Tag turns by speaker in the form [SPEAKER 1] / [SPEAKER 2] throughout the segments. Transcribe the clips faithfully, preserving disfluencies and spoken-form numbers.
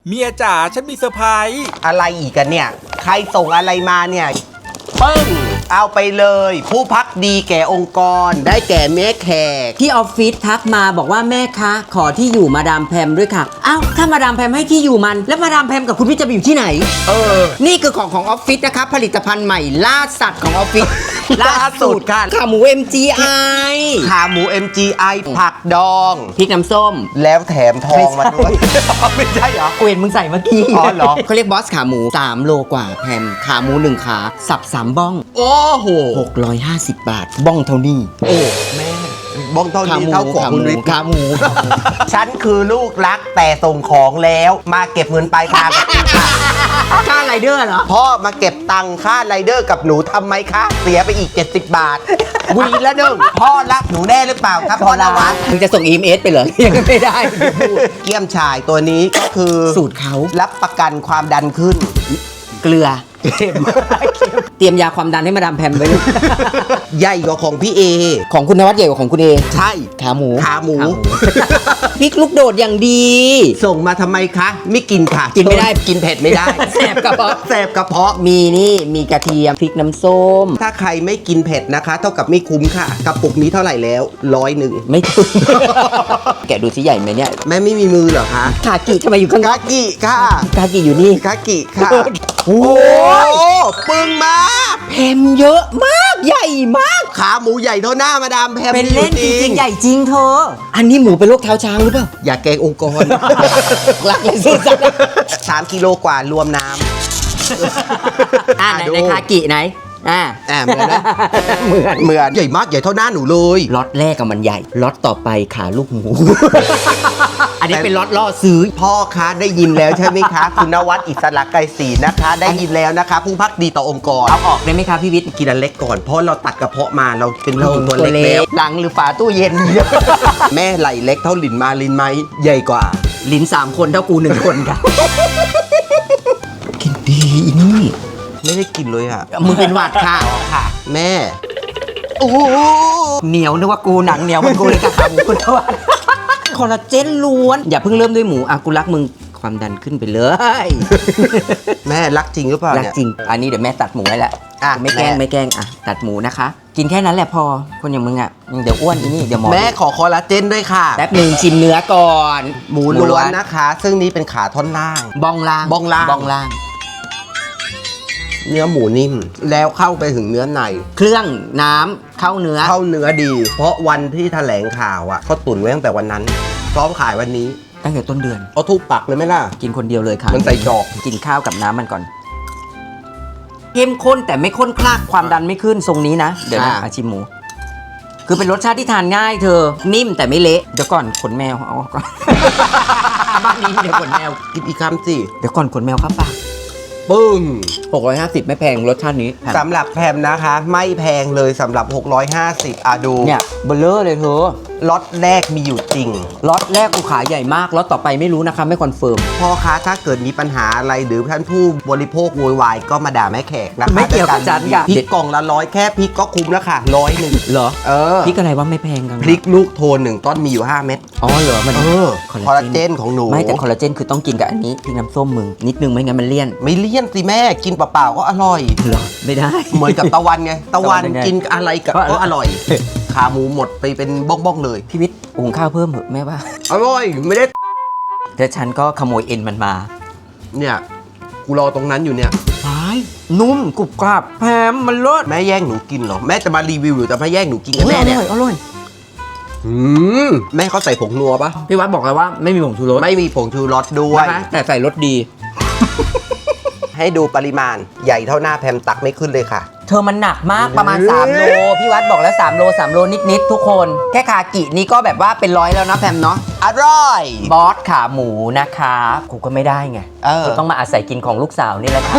[SPEAKER 1] เมียจ๋าฉันมีเซอร์ไพรส์
[SPEAKER 2] อะไรอีกกันเนี่ยใครส่งอะไรมาเนี่ยปึ้งเอาไปเลยผู้พักดีแก่องค์กรได้แก่แม่แขก
[SPEAKER 3] ที่ออฟฟิศทักมาบอกว่าแม่คะขอที่อยู่มาดามแพมด้วยค่ะอ้าวถ้ามาดามแพมให้ที่อยู่มันแล้วมาดามแพมกับคุณพี่จะไปอยู่ที่ไหนเออนี่คือของของออฟฟิศนะครับผลิตภัณฑ์ใหม่ล่าสัตว์ของออฟฟิศล่าสุดค่ะขาหมู เอ็ม จี ไอ
[SPEAKER 2] ขาหมู เอ็ม จี ไอ ผักดอง
[SPEAKER 3] พริกน้ำส้ม
[SPEAKER 2] แล้วแถมทองมาด้วยไม่ใช่เหรอ
[SPEAKER 3] กูเห็นมึงใส่เมื่อกี้
[SPEAKER 2] อ๋อเหรอ
[SPEAKER 3] เขาเรียกบอสขาหมูสามโลกว่าแพมขาหมูหนึ่งขาสับสามบ้อง
[SPEAKER 2] โอ้โห
[SPEAKER 3] หกร้อยห้าสิบบาทบ้องเท่านี้
[SPEAKER 2] โอ้แม่บ้องเท่านี้เท่าของคุณวิทย์
[SPEAKER 3] ขาหมู
[SPEAKER 2] ฉันคือลูกรักแต่ส่งของแล้วมาเก็บเงินปลายทางกับพี่ค่ะ
[SPEAKER 3] ค่าไรเดอร์เหรอ
[SPEAKER 2] พ่อมาเก็บตังค่าไรเดอร์กับหนูทำไมคะเสียไปอีกเจ็ดสิบบาทวีละหนึ่งพ่อรักหนูแน่หรือเปล่าครับพ่อนวัด
[SPEAKER 3] มึงจะส่ง อี เอ็ม เอส ไปเหรอยังไม่ได้
[SPEAKER 2] เกี๊ยมฉ่ายตัวนี้ก็คือ
[SPEAKER 3] สูตรเขา
[SPEAKER 2] รับประกันความดันขึ้น
[SPEAKER 3] เกลือเตรียมยาความดันให้มาดามแพมไว้
[SPEAKER 2] ใหญ่กว่าของพี่เอ
[SPEAKER 3] ของคุณนวัดใหญ่กว่าของคุณเอ
[SPEAKER 2] ใช่
[SPEAKER 3] ขาหมู
[SPEAKER 2] ขาหมู
[SPEAKER 3] พริกลูกโดดอย่างดี
[SPEAKER 2] ส่งมาทำไมคะไม่กินค่ะ
[SPEAKER 3] กินไม่ได้
[SPEAKER 2] กินเผ็ดไม่ได้
[SPEAKER 3] แสบกระเพาะ
[SPEAKER 2] แสบกระเพาะ
[SPEAKER 3] มีนี่มีกระเทียมพริกน้ำส้ม
[SPEAKER 2] ถ้าใครไม่กินเผ็ดนะคะเท่ากับไม่คุ้มค่ะกระปุกนี้เท่าไหร่แล้วร้อยหนึ่ง
[SPEAKER 3] ไม่ถึงแกะดูสิใหญ่ไหมเนี่ย
[SPEAKER 2] แม่ไม่มีมือเหรอคะ
[SPEAKER 3] คากิทำไมอยู่ข้าง
[SPEAKER 2] คากิค่ะ
[SPEAKER 3] คากิอยู่นี่
[SPEAKER 2] คากิค่ะโอ้ปึ้งมาก
[SPEAKER 3] แพมเยอะมากใหญ่มาก
[SPEAKER 2] ขาหมูใหญ่เท่าหน้ามาดามแพม
[SPEAKER 3] เป็นเล่นจริงๆใหญ่จริงเธออันนี้หมูเป็นโรคเท้าช้างหรือเปล่า
[SPEAKER 2] อย่าแกงองค์กร
[SPEAKER 3] รักเลยสุด
[SPEAKER 2] สามกิโลกว่ารวมน้ำ
[SPEAKER 3] อ่าไหนในคากิไหนอ่า
[SPEAKER 2] อ่าเหมือนนะ
[SPEAKER 3] เหมือน
[SPEAKER 2] เหมือนใหญ่มากใหญ่เท่าหน้าหนูเลย
[SPEAKER 3] ล็อตแรกกับมันใหญ่ล็อตต่อไปขาลูกหมูอันนี้เป็นล็อตล่อซื้อ
[SPEAKER 2] พ่อคะได้ยินแล้วใช่ไหมคะคุณนวัดอิสระไกรศรีนะคะได้ยินแล้วนะคะผู้พักดีต่อองค์กร
[SPEAKER 3] เอาออกได้ไหมคะพี่วิทย์
[SPEAKER 2] กินอันเล็กก่อนเพราะเราตัดกระเพาะมาเราเป็นผู้หญิงตัวเล็กแล้ว
[SPEAKER 3] หลังหรือฝาตู้เย็น
[SPEAKER 2] แม่ไหลเล็กเท่าหลินมาลินไหมใหญ่กว่า
[SPEAKER 3] ลิ้นสามคนเท่ากูหนึ่งคนค่ะกินดีนี่
[SPEAKER 2] ไม่ได้กินเลยอ่ะ
[SPEAKER 3] มึงเป็นหวัดค่ะ
[SPEAKER 2] ค่ะแม่โอ้
[SPEAKER 3] เหนียวนึกว่ากูหนังเหนียวมันกูเลยกระทำกูทวัดคอลลาเจนล้วนอย่าเพิ่งเริ่มด้วยหมูอ่ะกูรักมึงความดันขึ้นไปเลย
[SPEAKER 2] แม่รักจริงหรือเปล่า
[SPEAKER 3] รักจริงอันนี้เดี๋ยวแม่ตัดหมูให้แหละอ่ะไม่แกล้งไม่แกล้งอ่ะตัดหมูนะคะกินแค่นั้นแหละพอคนอย่างมึงอ่ะเดี๋ยวอ้วนอีนี่เดี๋ยวหมอ
[SPEAKER 2] แม่ขอคอลลาเจนด้วยค่ะ
[SPEAKER 3] แป๊บนึงชิมเนื้อก่อน
[SPEAKER 2] หมูล้วนนะคะซึ่งนี้เป็นขาท่อนล่าง
[SPEAKER 3] บ้องล่าง
[SPEAKER 2] บ้องล่าง
[SPEAKER 3] บ้องล่าง
[SPEAKER 2] เนื้อหมูนิ่มแล้วเข้าไปถึงเนื้อใน
[SPEAKER 3] เครื่องน้ำเข้าเนื้อ
[SPEAKER 2] เข้าเนื้อดี เพราะวันที่แถลงข่าวอ่ะเขาตุ๋นไว้ตั้งแต่วันนั้นพร้อมขายวันนี้
[SPEAKER 3] ตั้งแต่ต้นเดือน
[SPEAKER 2] เอาทุบปักเลยไหมล่ะ
[SPEAKER 3] กินคนเดียวเลยค่ะ
[SPEAKER 2] มันใส่จอก
[SPEAKER 3] กินข้าวกับน้ำมันก่อนเข้มข้นแต่ไม่ข้นคลากความดันไม่ขึ้นทรงนี้นะเดี๋ยวนะอาชิมหมูคือเป็นรสชาติที่ทานง่ายเธอนิ่มแต่ไม่เละเดี๋ยวก่อนขนแมวเอาก่อนบ้านนี้เดี๋ยวขนแมว
[SPEAKER 2] กินอีกคำสิ
[SPEAKER 3] เดี๋ยวก่อนขนแมวเข้าปาก
[SPEAKER 2] ปึ้ง
[SPEAKER 3] หกร้อยห้าสิบไม่แพงรสชาตินี้
[SPEAKER 2] สำหรับแพมนะคะไม่แพงเลยสำหรับหกร้อยห้าสิบอ่ะดู
[SPEAKER 3] เนี่ยเบลเลอร์เลยเธอ
[SPEAKER 2] ล็อตแรกมีอยู่จริง
[SPEAKER 3] ล็อตแรกกูขาใหญ่มากล็อตต่อไปไม่รู้นะคะไม่คอนเฟิร์ม
[SPEAKER 2] พ่อคะถ้าเกิดมีปัญหาอะไรหรือท่านผู้บริโภคโวยวายก็มาด่าแม่แขกนะคะ
[SPEAKER 3] ไม่เกี่ยวกับฉันค่ะ
[SPEAKER 2] พริกกล่องละร้อยแค่พริกก็คุ้มแล้วค่ะร้อยหนึ่ง
[SPEAKER 3] เหรอ
[SPEAKER 2] เออ
[SPEAKER 3] พริกอะไรว่าไม่แพงกัน
[SPEAKER 2] พริกลูกโทนหนึ่งต้นมีอยู่ห้าเม็ด
[SPEAKER 3] อ๋อเหรอมัน
[SPEAKER 2] เออคอลลาเจนของหนู
[SPEAKER 3] ไม่แต่คอลลาเจนคือต้องกินกับอันนี้พริกน้ำส้มมึงนิดนึงไม่งั้นมันเลี่ยน
[SPEAKER 2] ไม่เลี่ยนสิแม่กินเปล่าๆก็อร่อย
[SPEAKER 3] เหรอไม่ได้
[SPEAKER 2] เหมือนกับตะวันไงตะวันกินอะไรก็อร่อยขาหมูหมดไปเป็นบ้องๆเลย
[SPEAKER 3] พี่วิทย์หุงข้าวเพิ่มเหรอแม่ว่า
[SPEAKER 2] อร่อยไม่ได้
[SPEAKER 3] แต่ฉันก็ขโมยเอ็นมันมา
[SPEAKER 2] เนี่ยกูรอตรงนั้นอยู่เนี่ย
[SPEAKER 3] นุ่มกรุบกรับแพมมันรส
[SPEAKER 2] แม่แย่งหนูกินเหรอแม่จะมารีวิวหรือจะมาแย่งหนูกินกับแม่เนี่ย
[SPEAKER 3] อร่อยอร่อย
[SPEAKER 2] อืมแม่เขาใส่ผงนัวปะ
[SPEAKER 3] พี่วัดบอกเลยว่าไม่มีผงชูรส
[SPEAKER 2] ไม่มีผงชูรสด้วย
[SPEAKER 3] แต่ใส่รสดี
[SPEAKER 2] ให้ดูปริมาณใหญ่เท่าหน้าแพมตักไม่ขึ้นเลยค่ะ
[SPEAKER 3] เธอมันหนักมากประมาณสามโลพี่วัดบอกแล้วสามโลสามโลนิดๆทุกคนแค่คากินี่ก็แบบว่าเป็นร้อยแล้วนะแพมเนาะ
[SPEAKER 2] อร่อย
[SPEAKER 3] บอสขาหมูนะคะกูก็ไม่ได้ไงเออต้องมาอาศัยกินของลูกสาวนี่แหละค่ะ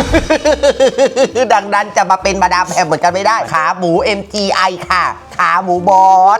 [SPEAKER 2] ดังนั้นจะมาเป็นมาดามแพมเหมือนกันไม่ได้ขาหมู เอ็ม จี ไอ ค่ะขาหมูบอส